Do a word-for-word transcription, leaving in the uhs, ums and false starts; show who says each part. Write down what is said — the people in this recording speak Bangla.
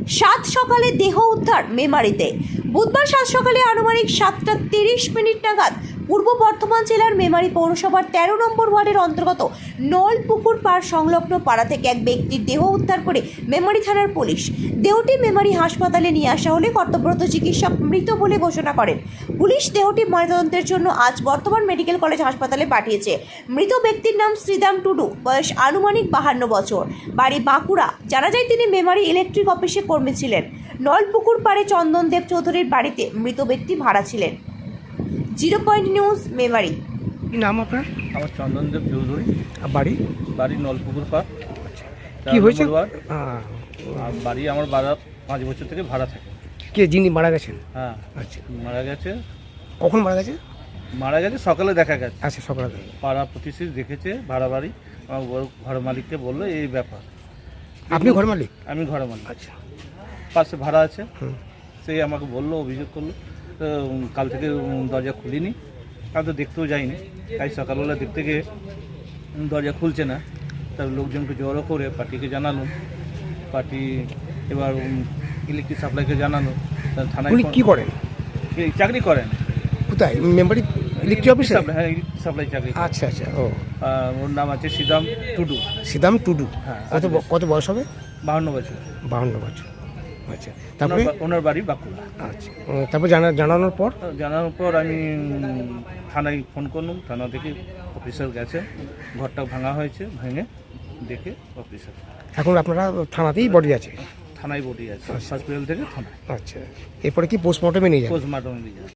Speaker 1: সাত সকালে দেহ উদ্ধার মেমারিতে। বুধবার সাত সকালে আনুমানিক সাতটা তিরিশ মিনিট নাগাদ পূর্ব বর্ধমান জেলার মেমারি পৌরসভার তেরো নম্বর ওয়ার্ডের অন্তর্গত নলপুকুর পাড় সংলগ্ন পাড়া থেকে এক ব্যক্তির দেহ উদ্ধার করে মেমারি থানার পুলিশ। দেহটি মেমারি হাসপাতালে নিয়ে আসা হলে কর্তব্যরত চিকিৎসক মৃত বলে ঘোষণা করেন। পুলিশ দেহটি ময়নাতদন্তের জন্য আজ বর্ধমান মেডিকেল কলেজ হাসপাতালে পাঠিয়েছে। মৃত ব্যক্তির নাম শ্রীদাম টুডু, বয়স আনুমানিক বাহান্ন বছর, বাড়ি বাঁকুড়া। জানা যায় তিনি মেমারি ইলেকট্রিক অফিসে কর্মী ছিলেন। নলপুকুর পাড়ে চন্দনদেব চৌধুরীর বাড়িতে মৃত ব্যক্তি ভাড়া ছিলেন। Zero point news Memari.
Speaker 2: কি নাম আপনার?
Speaker 3: আমার চন্দনদেব চৌধুরী।
Speaker 2: আর বাড়ি?
Speaker 3: বাড়ি নলপুকুর পাড়।
Speaker 2: কি হয়েছে?
Speaker 3: আর বাড়ি আমার বাড়া পাঁচ বছর থেকে ভাড়া থাকে।
Speaker 2: কে যিনি মারা গেছেন?
Speaker 3: হ্যাঁ,
Speaker 2: আচ্ছা,
Speaker 3: মারা গেছে।
Speaker 2: কখন মারা গেছে?
Speaker 3: মারা গেছে সকালে দেখা গেছে।
Speaker 2: আচ্ছা, সকালে।
Speaker 3: পাড়া প্রতিষ্ঠী দেখেছে ভাড়া বাড়ি। আমার বড়- ঘর মালিককে বললো এই ব্যাপার।
Speaker 2: আপনি ঘর মালিক?
Speaker 3: আমি ঘর মালিক।
Speaker 2: আচ্ছা,
Speaker 3: পাশে ভাড়া আছে।
Speaker 2: হুম।
Speaker 3: সেই আমাকে বললো, অভিযোগ করলো। তো উম, কাল থেকে উম, দরজা খুলিনি। আমি তো দেখতেও যাইনি। তাই সকালবেলা দেখতে গিয়ে উম, দরজা খুলছে না। তার লোকজনকে জড়ো করে পার্টিকে জানালো। পার্টি এবার ইলেকট্রিক সাপ্লাইকে জানালো। তা থানায়
Speaker 2: উনি
Speaker 3: ফোন-
Speaker 2: কি করেন?
Speaker 3: এই চাকরি করেন।
Speaker 2: কোথায়? মেম্বারি ইলেকট্রিক অফিসে?
Speaker 3: সাপ্লাই, হ্যাঁ, ইলেকট্রিক সাপ্লাই চাকরি।
Speaker 2: আচ্ছা আচ্ছা। ও,
Speaker 3: আর ওর নাম আছে শ্রীদাম টুডু।
Speaker 2: সিদাম টুডু।
Speaker 3: হ্যাঁ,
Speaker 2: কত ব- কত বয়স হবে?
Speaker 3: বাহান্ন বছর।
Speaker 2: বাহান্ন বছর। আচ্ছা, তারপরে?
Speaker 3: ওনার বা- ওনার বাড়ি বাঁকুড়া।
Speaker 2: আচ্ছা, ও, তারপর জানা জানানোর পর?
Speaker 3: জানানোর পর আমি উম, থানায় ফোন করলাম। থানা থেকে অফিসার গেছে। ঘরটা ভাঙা হয়েছে, ভেঙে দেখে অফিসার।
Speaker 2: এখন আপনারা থানাতেই বডি আছে?
Speaker 3: থানায় বডি আছে, হসপিটাল থেকে থানায়।
Speaker 2: আচ্ছা, এরপরে কি পোস্টমর্টমে নিয়ে যাবেন?
Speaker 3: পোস্টমর্টমে নিয়ে যাবে।